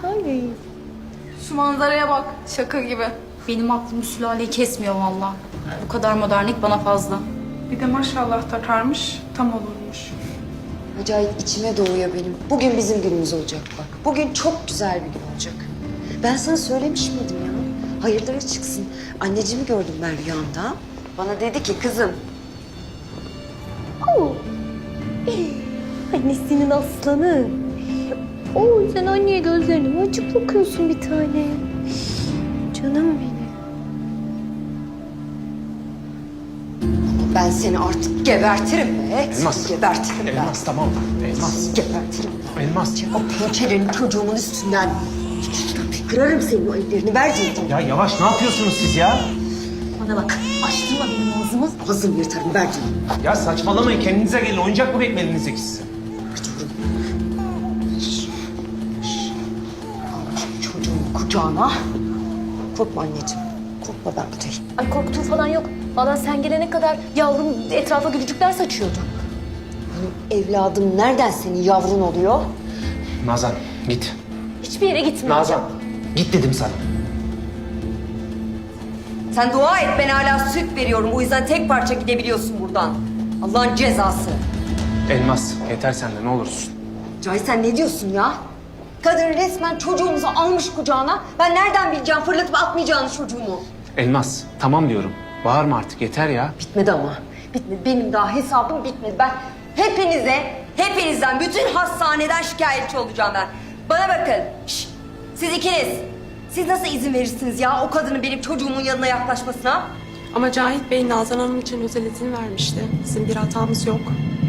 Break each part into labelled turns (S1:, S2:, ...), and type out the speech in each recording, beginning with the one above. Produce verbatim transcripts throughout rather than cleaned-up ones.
S1: Ay.
S2: Şu manzaraya bak. Şaka gibi.
S1: Benim aklım sülaleyi kesmiyor vallahi. Bu kadar modernlik bana fazla.
S2: Bir de maşallah takarmış. Tam olurmuş.
S3: Acayip içime doğuyor benim. Bugün bizim günümüz olacak bak. Bugün çok güzel bir gün olacak. Ben sana söylemiş miydim ya? Hayırlara çıksın. Anneciğimi gördüm ben rüyamda. Bana dedi ki kızım.
S4: Oo. Annesinin aslanı. Oo, sen anneye gözlerini açıp bakıyorsun bir tane. Canım benim.
S3: Ama ben seni artık gebertirim be.
S5: Elmas.
S3: Gebertirim ben.
S5: Elmas tamam. Elmas.
S3: Gebertirim.
S5: Elmas.
S3: O pençelerini çocuğumun üstünden. Kırarım senin o ellerini. Ver dedim.
S5: Ya yavaş ne yapıyorsunuz siz ya?
S4: Bana bak, açtırma benim ağzımı.
S3: Ağzını yırtarım. Ver dedim.
S5: Ya saçmalamayın kendinize gelin. Oyuncak mı beklediniz siz?
S3: Çocuğun kucağına. Korkma anneciğim. Korkma ben buradayım.
S4: Ay korktuğum falan yok. Vallahi sen gelene kadar yavrum etrafa gülücükler saçıyordu.
S3: Evladım nereden senin yavrun oluyor?
S5: Nazan git.
S4: Hiçbir yere gitmeyeceğim.
S5: Nazan git dedim sana.
S3: Sen dua et, ben hala süt veriyorum. O yüzden tek parça gidebiliyorsun buradan. Allah'ın cezası.
S5: Elmas yeter sen de ne olursun.
S3: Cahit sen ne diyorsun ya? Kadın resmen çocuğumuzu almış kucağına. Ben nereden bileceğim fırlatıp atmayacağını çocuğumu?
S5: Elmas tamam diyorum. Bağırma artık yeter ya.
S3: Bitmedi ama. Bitmedi. Benim daha hesabım bitmedi. Ben hepinize, hepinizden, bütün hastaneden şikayetçi olacağım ben. Bana bakın. Şşt! Siz ikiniz. Siz nasıl izin verirsiniz ya o kadının benim çocuğumun yanına yaklaşmasına?
S6: Ama Cahit Bey Nazan Hanım için özel izin vermişti. Bizim bir hatamız yok.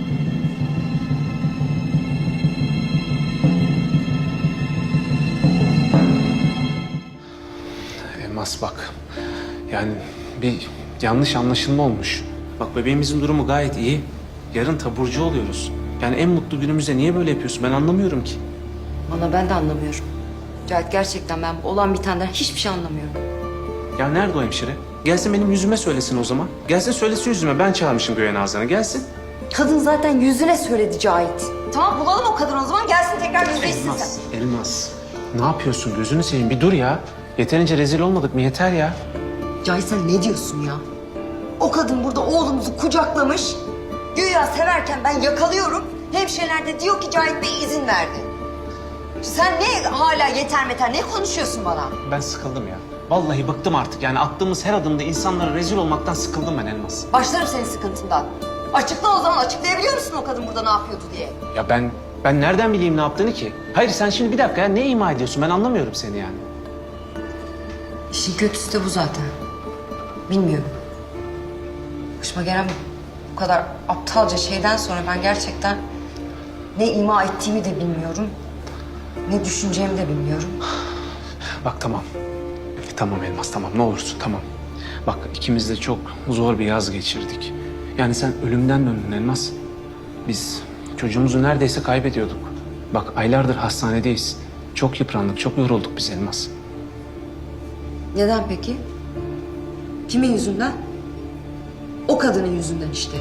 S5: Elmas bak. Yani bir yanlış anlaşılma olmuş. Bak bebeğimizin durumu gayet iyi. Yarın taburcu oluyoruz. Yani en mutlu günümüzde niye böyle yapıyorsun ben anlamıyorum ki.
S3: Valla ben de anlamıyorum. Cahit gerçekten ben olan bitenden hiçbir şey anlamıyorum.
S5: Ya nerede o hemşire? Gelsin benim yüzüme söylesin o zaman. Gelsin söylesin yüzüme. Ben çağırmışım göğe Nazan'ı. Gelsin.
S3: Kadın zaten yüzüne söyledi Cahit. Tamam bulalım o kadını o zaman gelsin tekrar yüzleşsin
S5: Elmas,
S3: sen.
S5: Elmas. Ne yapıyorsun? Gözünü seveyim. Bir dur ya. Yeterince rezil olmadık mı? Yeter ya.
S3: Cahit sen ne diyorsun ya? O kadın burada oğlumuzu kucaklamış. Güya severken ben yakalıyorum. Hemşireler de diyor ki Cahit Bey izin verdi. Sen ne hala yeter meter ne konuşuyorsun bana?
S5: Ben sıkıldım ya. Vallahi bıktım artık. Yani attığımız her adımda insanlara rezil olmaktan sıkıldım ben Elmas.
S3: Başlarım senin sıkıntından. Açıkla o zaman açıklayabiliyor musun o kadın burada ne yapıyordu diye?
S5: Ya ben ben nereden bileyim ne yaptığını ki? Hayır sen şimdi bir dakika ya ne ima ediyorsun? Ben anlamıyorum seni yani.
S3: İşin kötüsü de bu zaten. Bilmiyorum. Başıma gelen bu kadar aptalca şeyden sonra ben gerçekten ne ima ettiğimi de bilmiyorum. Ne düşüneceğimi de bilmiyorum.
S5: Bak tamam. Tamam Elmas tamam ne olursun tamam. Bak ikimiz de çok zor bir yaz geçirdik. Yani sen ölümden döndün Elmas. Biz çocuğumuzu neredeyse kaybediyorduk. Bak aylardır hastanedeyiz. Çok yıprandık, çok yorulduk biz Elmas.
S3: Neden peki? Kimin yüzünden? O kadının yüzünden işte.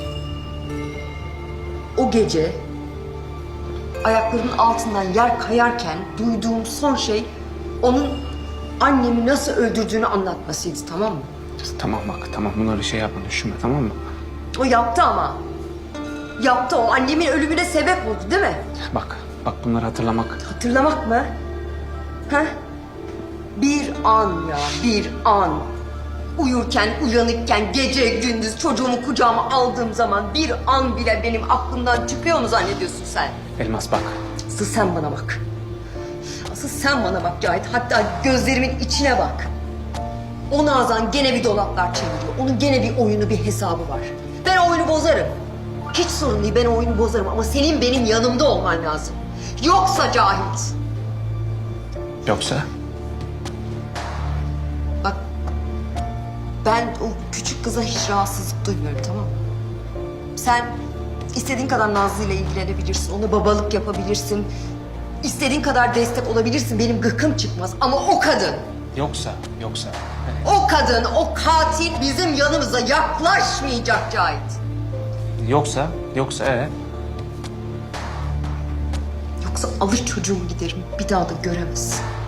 S3: O gece ayaklarının altından yer kayarken duyduğum son şey onun annemi nasıl öldürdüğünü anlatmasıydı, tamam mı?
S5: Tamam bak tamam bunları şey yapma düşünme tamam mı?
S3: O yaptı ama. Yaptı o. Annemin ölümüne sebep oldu değil mi?
S5: Bak bak bunları hatırlamak.
S3: Hatırlamak mı? Ha? Bir an ya, bir an. Uyurken, uyanıkken, gece gündüz çocuğumu kucağıma aldığım zaman bir an bile benim aklımdan çıkıyor mu zannediyorsun sen?
S5: Elmas bak.
S3: Asıl sen bana bak. Asıl sen bana bak Cahit. Hatta gözlerimin içine bak. O Nazan gene bir dolaplar çeviriyor. Onun gene bir oyunu, bir hesabı var. Ben o oyunu bozarım. Hiç sorun değil, ben o oyunu bozarım ama senin benim yanımda olman lazım. Yoksa Cahit.
S5: Yoksa?
S3: Bak, ben o küçük kıza hiç rahatsızlık duymuyorum, tamam mı? Sen istediğin kadar Nazlı ile ilgilenebilirsin, ona babalık yapabilirsin. İstediğin kadar destek olabilirsin, benim gıkım çıkmaz. Ama o kadın,
S5: Yoksa, yoksa.
S3: o kadın, o katil bizim yanımıza yaklaşmayacak Cahit.
S5: Yoksa, yoksa ee?
S3: Yoksa alır çocuğumu giderim, bir daha da göremezsin.